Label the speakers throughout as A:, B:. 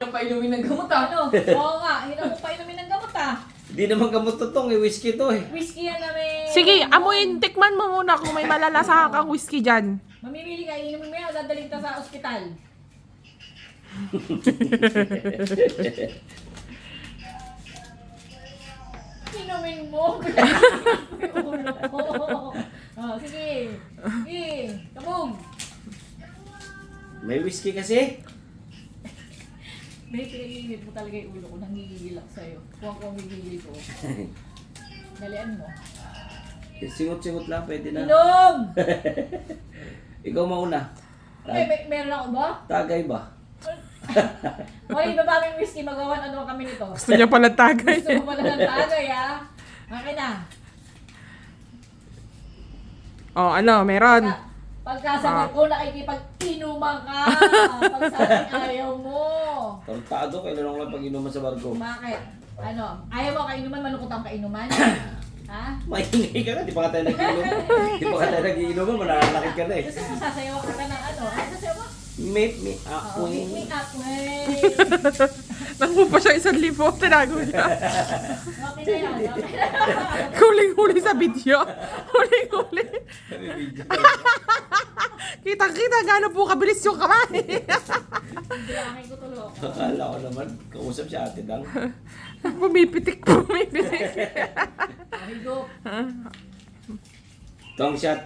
A: Painumin ng gamot ah.
B: Ano? Oo nga, hindi mo painumin ng gamot ah.
C: Hindi naman gamot to tong, whiskey to eh.
B: Whiskey yan na may...
D: Sige, amuin, tikman mo muna kung may malalasa kang whiskey dyan.
B: Mamimili ka, inumin mo yan o dadaling ka sa ospital. Inumin mo. Ulo ko. Oh, sige. Sige. Kabog.
C: May whiskey kasi.
B: May pinaginit mo talaga yung ulo ko. Nangigigil ako sa'yo. Kung ako ang gigigil ko. Dalian mo.
C: Singot-singot lang, pwede na.
B: Inom!
C: Ikaw mauna.
B: Meron ako ba?
C: Tagay ba?
B: Hoy, babaming whiskey. Magawan ano kami nito.
D: Gusto niya pala tagay.
B: Gusto mo pala ng tagay, ha? Akin na.
D: Oh, ano, meron.
B: Pagkasagot ko, nakikipag-inuman ka. Pagsabi ayaw mo.
C: Tartado, kailan lang pag-inuman sa barko.
B: Bakit? Ano? Ayaw mo kainuman, malungkot ang kainuman? Ha?
C: Maingay ka na, di pa ka tayo nag-inuman. Di pa ka tayo nag-inuman, mananakit ka na eh.
B: Gusto mo sasayaw ka ng ano? Ano sasayaw mo?
C: Meet me up,
B: Oo, pick me up, wey.
D: Nakuha pa siya 1,000, tinago niya.
B: Okay na yan. Okay na yan.
D: Huling-huli sa video. Huling-huli. Kitang-kita gano'n po kabilis yung kamay.
B: Hindi, akin ko tulo.
C: Akala ko naman, kausap siya ate Dang.
D: Pumipitik.
B: Ahigop.
C: Tong shot.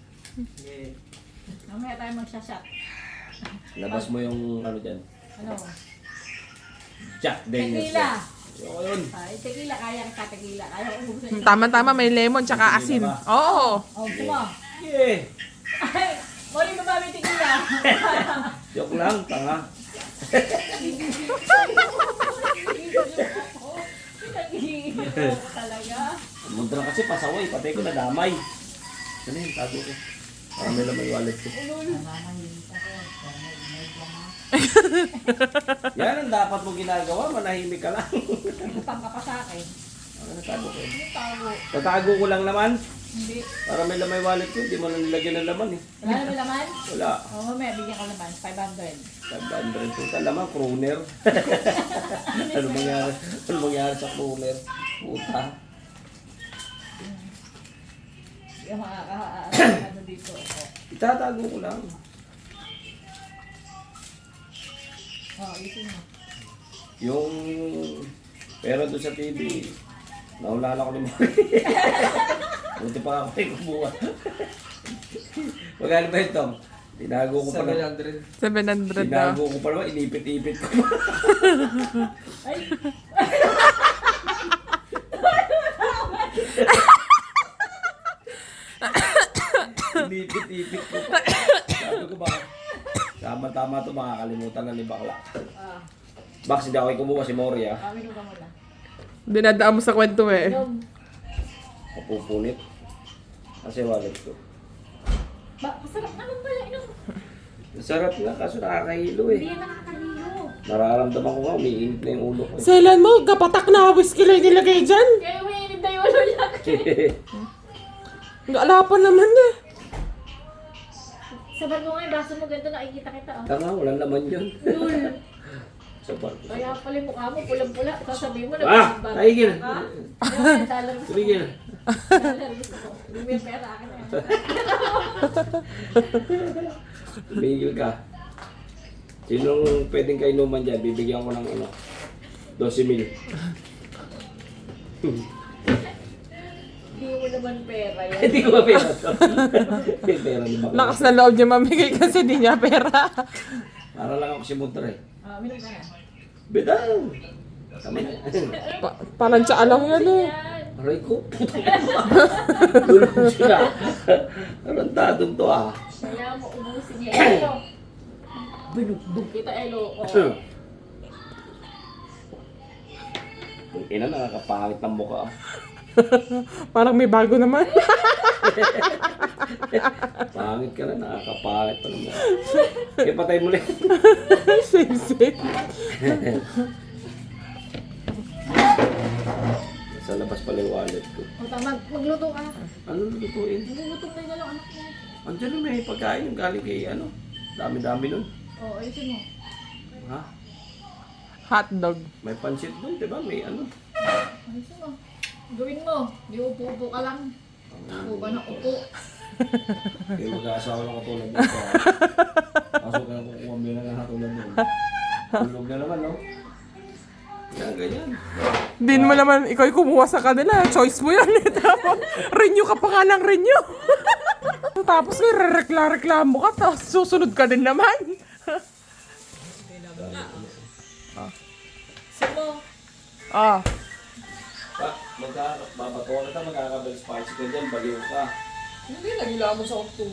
B: Mamaya tayo magsashot.
C: Labas mo yung ano dyan.
B: Ano?
C: Jack Daniels.
B: Tequila.
C: Ayoko yun.
B: Ay, tequila. Kaya ka tequila. Kaya ko ubusin.
D: Tama-tama, may lemon tsaka asin. Oo.
B: Oh, gusto mo?
C: Yeah.
B: Ay, muli ba ba may tequila?
C: Joke lang, tanga.
B: Pinag-iigil ako talaga.
C: Mundra kasi pasaway, patay ko na damay. Ano yun, tago ko. Para may lamay wallet ko. Yan ang dapat mo ginagawa, manahimik ka lang.
B: Utang ka pa sa akin.
C: Ano natago ko?
B: Ano tago?
C: Tatago ko lang naman.
B: Hindi.
C: Para may lamay wallet ko, hindi mo na nilagyan ng laman eh.
B: Wala naman laman?
C: Wala.
B: Oo, mamaya bigyan ko naman. 500.
C: 500 total laman, crooner. Ano mangyari sa crooner? Puta.
B: Yung ano dito. Oh.
C: Itatago ko lang.
B: Oh, isin mo.
C: Yung pera doon sa TV, naulala ko ni Mori. Buti pa ako ay kumuha. Magkano ba ito? Tinago ko pa na.
D: 700 na.
C: Tinago ko pa naman, inipit-ipit ko pa.
B: Ay!
C: Inipit-ipit ko pa. Sabi ko ba, tama-tama ito, makakalimutan na ni Bakla.
B: Ah,
C: Baks, hindi ako ay kumuha si Mori ah.
B: kami nung muna.
D: Dinadaan mo sa kwento eh.
B: Inom.
C: Mapupunit. Kasi wallet ko.
B: Masarap naman pala, inom.
C: Sarap nga, kaso nakakahilo eh.
B: Hindi yan nakakalilo.
C: Nararamdaman ko nga, umiinit na yung ulo ko.
D: Selan mo, kapatak na whiskey lang nilagay dyan.
B: Kaya umiinip na yung ulo niya.
D: Gaalapan naman eh.
B: Sa barko nga yung baso mo ganito, nakikita kita. Oh.
C: Tanga, walang laman yun.
B: Lul.
C: Sa barko.
B: Kaya pala yung mukha mo, pulang-pula. Sasabihin mo na
C: Tigil!
B: Dollar gusto ko.
C: Tigil!
B: Dollar gusto ko. Hindi mo yung pera akin na yan.
C: Tumigil ka. Sinong pwedeng kainuman dyan, bibigyan ko ng ano, 12,000.
B: Hindi mo naman pera yan.
C: Hindi ko ba pera to? May pera ni Bakla.
D: Lakas na loob niya mamigay kasi di niya pera.
C: Para lang ako si Muntra eh.
B: Minum ka na.
C: Bedang! Tama na.
D: Parang siya alam yan eh.
B: Yan.
C: Aray ko, puto ka ba? Tulog siya. Tarantadong to ah.
B: Kaya mo ubusin niya. Elo.
C: Binugbog.
B: Kita Elo. Oh.
C: Ang ina, nakakapangit ng mukha.
D: Parang may bago naman.
C: Pangit ka na, nakakapangit pa naman. Kaya patay mo ulit.
D: Same.
C: Sa labas pala yung wallet ko.
B: O tama, magluto ka.
C: Ano lutuin?
B: Magluluto na yung dalawang anak mo.
C: Andiyan na may pagkain yung galing kay ano. Dami-dami nun.
B: O, ayusin mo.
C: Ha?
D: Hotdog.
C: May pansit doon, di ba? May ano.
B: Ayos mo. Gawin mo. Di upo-upo ka lang. Upo ka ng upo.
C: Kaya mag-aasawa lang katulad dito. Kaso kaya kukuha mo lang katulad doon. Tulog na naman, no? Yan, ganyan.
D: Din mo naman, ikaw yung kumuha sa kanila. Choice mo yan. Tapos, renew ka pa nga lang, renew. Tapos ngayon, reklamo ka. Tapos susunod ka din naman.
B: Sino?
D: Ah.
C: Babatuwa na tayo, magkakabal spicy ka dyan, baliw ka.
B: Hindi, nagila mo sa